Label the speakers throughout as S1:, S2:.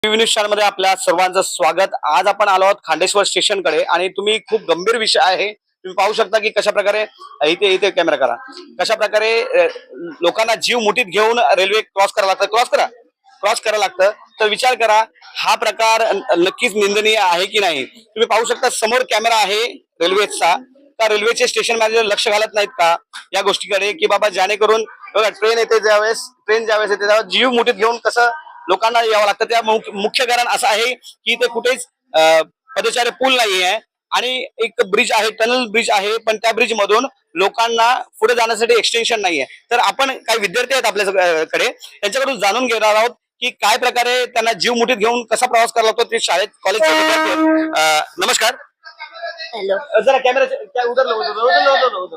S1: News मध्ये आपल्या सर्वांचं स्वागत। आज आपण आलो आहोत खांडेश्वर स्टेशनकडे आणि तुम्ही खूप गंभीर विषय आहे तुम्ही पाहू शकता की कशा प्रकारे इथे इथे कॅमेरा करा कशा प्रकारे लोकांना जीव मुठीत घेऊन रेल्वे क्रॉस करावं लागतं तर विचार करा हा प्रकार नक्कीच निंदनीय आहे की नाही। तुम्ही पाहू शकता समोर कॅमेरा आहे रेल्वेचा का रेल्वेचे स्टेशन मॅनेजर लक्ष घालत नाहीत का या गोष्टीकडे की बाबा जेणेकरून ट्रेन येते ज्यावेळेस येते त्यावेळेस जीव मुठीत घेऊन कसं लोकांना यावं लागतं। त्या मुख्य कारण असं आहे की ते कुठेच पदचारी पूल नाही आहे आणि एक ब्रिज आहे टनल ब्रिज आहे पण त्या ब्रिज मधून लोकांना पुढे जाण्यासाठी एक्सटेन्शन नाहीये। तर आपण काही विद्यार्थी आहेत आपल्याकडे त्यांच्याकडून जाणून घेणार आहोत की काय प्रकारे त्यांना जीव मुठीत घेऊन कसा प्रवास करावा लागतो। ते शाळेत कॉलेजचे विद्यार्थी नमस्कार।
S2: हेलो
S1: जरा कैमरा क्या उधर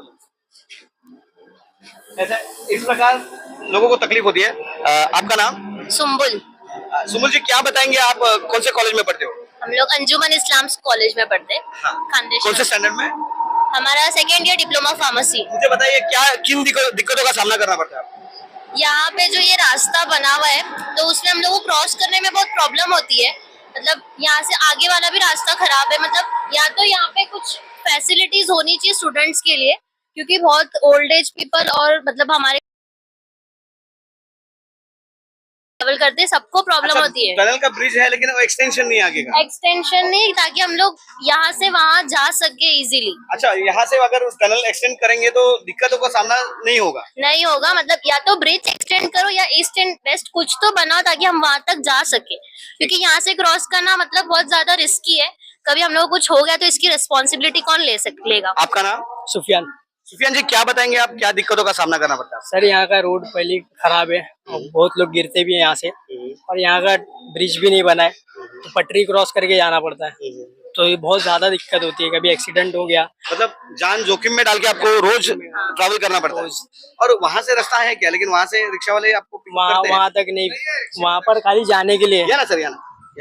S1: ऐसा इस प्रकार लोगों को तकलीफ होती है। आपका नाम?
S2: सुम्बुल।
S1: सुमुल जी क्या बताएंगे आप कौन से कॉलेज में पढ़ते हो?
S2: हम लोग अंजुमन इस्लाम कॉलेज में पढ़ते हैं।
S1: हाँ।
S2: खानदेश
S1: कौन से स्टैंडर्ड में?
S2: हमारा सेकेंड ईयर डिप्लोमा फार्मेसी।
S1: मुझे बताइए क्या किन दिक्कतों का सामना करना पड़ता है?
S2: यहाँ पे जो ये रास्ता बना हुआ है तो उसमें हम लोग को क्रॉस करने में बहुत प्रॉब्लम होती है। मतलब यहाँ से आगे वाला भी रास्ता खराब है। मतलब या तो यहाँ पे कुछ फैसिलिटीज होनी चाहिए स्टूडेंट्स के लिए क्योंकि बहुत ओल्ड एज पीपल और मतलब हमारे ट्रैवल करते सबको प्रॉब्लम होती है।
S1: टनल का ब्रिज है लेकिन वो एक्सटेंशन नहीं आगे का।
S2: एक्सटेंशन नहीं ताकि हम लोग यहाँ से वहाँ जा सके इजीली।
S1: अच्छा यहाँ से अगर टनल एक्सटेंड करेंगे तो दिक्कतों का सामना नहीं होगा मतलब या तो ब्रिज एक्सटेंड करो या ईस्ट एंड वेस्ट कुछ तो बनाओ ताकि हम वहाँ तक जा सके क्योंकि यहाँ से क्रॉस करना मतलब बहुत ज्यादा रिस्की है। कभी हम लोग कुछ हो गया तो इसकी रिस्पॉन्सिबिलिटी कौन लेगा? आपका नाम?
S3: सुफियान।
S1: सुफियान जी क्या बताएंगे आप क्या दिक्कतों का सामना करना पड़ता है?
S3: सर यहाँ का रोड पहले खराब है और बहुत लोग गिरते भी हैं यहाँ से और यहाँ का ब्रिज भी नहीं बना है तो पटरी क्रॉस करके जाना पड़ता है तो ये बहुत ज्यादा दिक्कत होती है। कभी एक्सीडेंट हो गया
S1: मतलब जान जोखिम में डाल के आपको रोज ट्रैवल करना पड़ता है। और वहाँ से रास्ता है क्या? लेकिन वहाँ से रिक्शा वाले आपको pick करते हैं?
S3: वहाँ तक नहीं, वहाँ पर खाली जाने के लिए।
S1: या ना सर या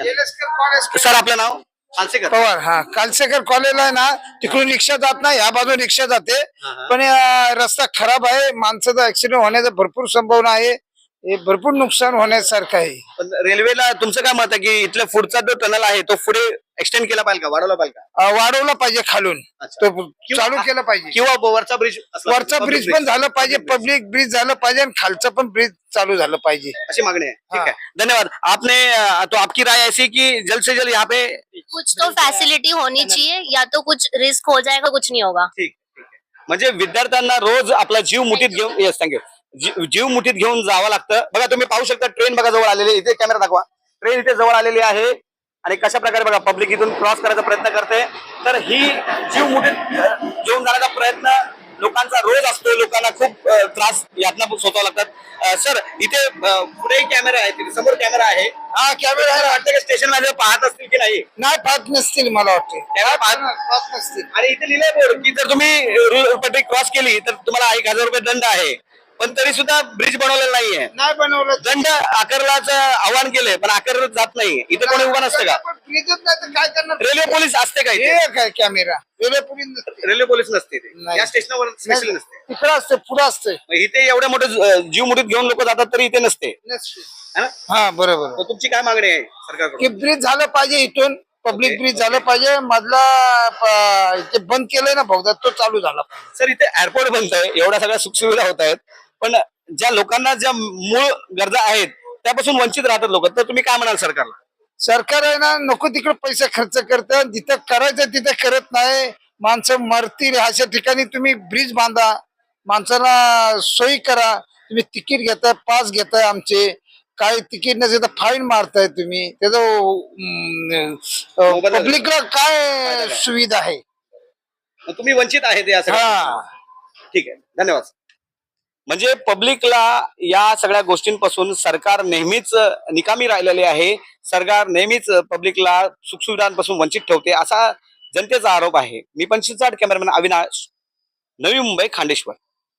S1: ना सर आपलं नाव? कालसेकर
S4: पवार। हा कालसेकर कॉलेजला आहे ना तिकडून रिक्षा जात नाही ह्या बाजून रिक्षा जाते पण रस्ता खराब आहे माणसाचा ऍक्सिडेंट होण्याचा भरपूर संभावना आहे। हे भरपूर नुकसान होण्यासारखं आहे।
S1: पण रेल्वेला तुमचं काय मत आहे की इथल्या पुढचा जो टनल आहे तो पुढे एक्सटेंड केला पाहिजे का वाढवला पाहिजे का?
S4: वाढवला पाहिजे खालून तो चालू केलं पाहिजे
S1: किंवा वरचा ब्रिज
S4: पण झालं पाहिजे पब्लिक ब्रिज झालं पाहिजे आणि खालचं पण ब्रिज चालू झालं पाहिजे
S1: अशी मागणी आहे। ठीक है धन्यवाद। आपने तो आपकी राय ऐसी कि जल्द से जल्द यहाँ पे
S2: कुछ तो फैसिलिटी होनी चाहिए या तो कुछ रिस्क हो जाएगा कुछ नहीं होगा।
S1: ठीक आहे म्हणजे विद्यार्थ्यांना रोज आपला जीव मुठीत घेऊन येस थँक्यू जीव मुठीत घेऊन जावं लागतं। बघा तुम्ही पाहू शकता ट्रेन बघा जवळ आलेली इथे कॅमेरा दाखवा ट्रेन इथे जवळ आलेली आहे आणि कशा प्रकारे बघा पब्लिक इथून क्रॉस करायचा प्रयत्न करते तर ही जीव मुठीत घेऊन जाण्याचा प्रयत्न लोकांचा रोज असतो। लोकांना खूप त्रास यातना सोसावं लागतात। सर इथे पुढे कॅमेरा आहे तिथे समोर कॅमेरा आहे
S4: हा कॅमेरा आहे
S1: वाटतं की स्टेशन मॅनेजर पाहत असतील की नाही?
S4: नाही पाहत नसतील मला वाटते
S1: कॅमेरा
S4: पाहत नसतील
S1: आणि इथे लिहिलंय बोर्ड की जर तुम्ही पटरी क्रॉस केली तर तुम्हाला 1000 रुपये दंड आहे पण तरी सुद्धा ब्रिज बनवलेला नाहीये।
S4: नाही बनवलं
S1: दंड आकारल्याचं आवाहन केलंय पण आकारलं जात नाही। इथे कोणी उभा नसतं का?
S4: ब्रिजच नाही तर काय करणार?
S1: रेल्वे पोलीस असते का इथे?
S4: हे काय कॅमेरा रेल्वे पोलीस नसते
S1: रेल्वे पोलीस नसते इथे।
S4: नाही.
S1: या स्टेशनवर स्पेशल नसते
S4: तिकडे असते पुढे असते
S1: मग इथे एवढे मोठे जीव मुठीत घेऊन लोक जातात तरी इथे नसते है ना?
S4: हा बरोबर
S1: तर तुमची काय मागणी आहे सरकारकडून?
S4: की ब्रिज झालं पाहिजे इथून पब्लिक ब्रिज झालं पाहिजे मधला ते बंद केलंय ना भोगदा तो चालू झाला पाहिजे।
S1: सर इथे एअरपोर्ट बनतंय एवढ्या सगळ्या सुखसुविधा होत आहेत पण ज्या लोकांना ज्या मूळ गरजा आहेत त्यापासून वंचित राहतात लोक तर तुम्ही काय म्हणाल सरकारला?
S4: सरकार आहे ना नको तिकडे पैसे खर्च करतं जिथं करायचं तिथं करत नाही माणसं मरतील अशा ठिकाणी तुम्ही ब्रिज बांधा माणसाला सोयी करा। तुम्ही तिकीट घेताय पास घेताय आमचे काही तिकीट नसेल तर फाईन मारताय तुम्ही त्याचं पब्लिकला काय सुविधा आहे?
S1: तुम्ही वंचित आहेत या
S4: हा
S1: ठीक आहे धन्यवाद। म्हणजे पब्लिकला या सगळ्या गोष्टींपासून सरकार नेहमीच निकामी राहिलेले आहे। सरकार नेहमीच पब्लिकला सुखसुविधांपासून वंचित ठेवते असा जनतेचा आरोप आहे। मी 25 कॅमेरामॅन अविनाश, नवी मुंबई, खांडेश्वर।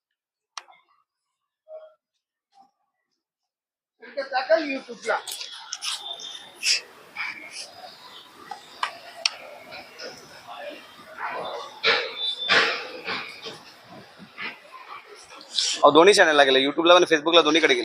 S4: युट्यूबला
S1: दोन्ही चॅनलला गेले युट्यूबला आणि फेसबुकला दोन्हीकडे गेले।